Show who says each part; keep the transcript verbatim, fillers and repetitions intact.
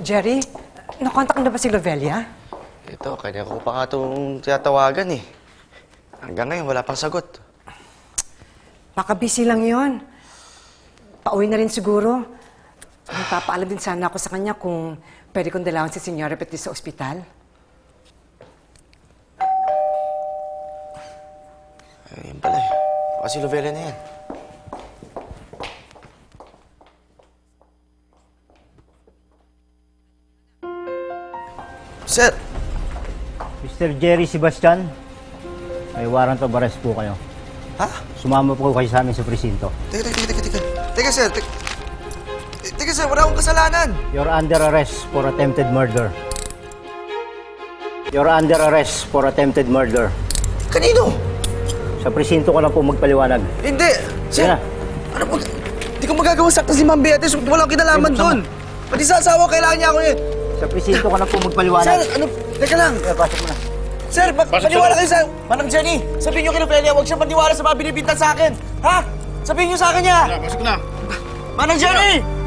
Speaker 1: Jerry, nakontak na ba si Lovelia?
Speaker 2: Ito, kanya ko pa nga itong tiyatawagan eh. Hanggang ngayon, wala pang sagot.
Speaker 1: Baka busy lang yon. Pauwi na rin siguro. Magpapaalam din sana ako sa kanya kung pwede kong dalawan si Senyora Petis sa ospital.
Speaker 2: Ayun pala eh. Baka si Lovelia na yan. Sir!
Speaker 3: Mister Jerry Sebastian, may warrant of arrest po kayo.
Speaker 2: Ha?
Speaker 3: Sumama po kayo sa amin sa presinto.
Speaker 2: Teka, teka, teka, teka. Teka, sir. Teka, teka sir. Wala akong kasalanan.
Speaker 3: You're under arrest for attempted murder. You're under arrest for attempted murder.
Speaker 2: Kanino?
Speaker 3: Sa presinto ko lang po magpaliwanag.
Speaker 2: Hindi. Sir,
Speaker 3: Kaya,
Speaker 2: ano po? Hindi ko magagawa sakta si Ma'am Beatrice. Walang kinalaman
Speaker 3: Hindi,
Speaker 2: doon. Pati sa asawa, kailangan niya ako yun.
Speaker 3: sa presinto ko lang po magpaliwanag.
Speaker 2: Sir, ano? Teka lang.
Speaker 3: Kaya, pasok mo na.
Speaker 2: Sir, pa paniwala kayo sa... Manang Jenny, sabihin niyo kay Lovelia, huwag siyang maniwala sa mga binibintan sa akin. Ha? Sabihin niyo sa akin niya.
Speaker 4: Pasok na.
Speaker 2: Manang Jenny!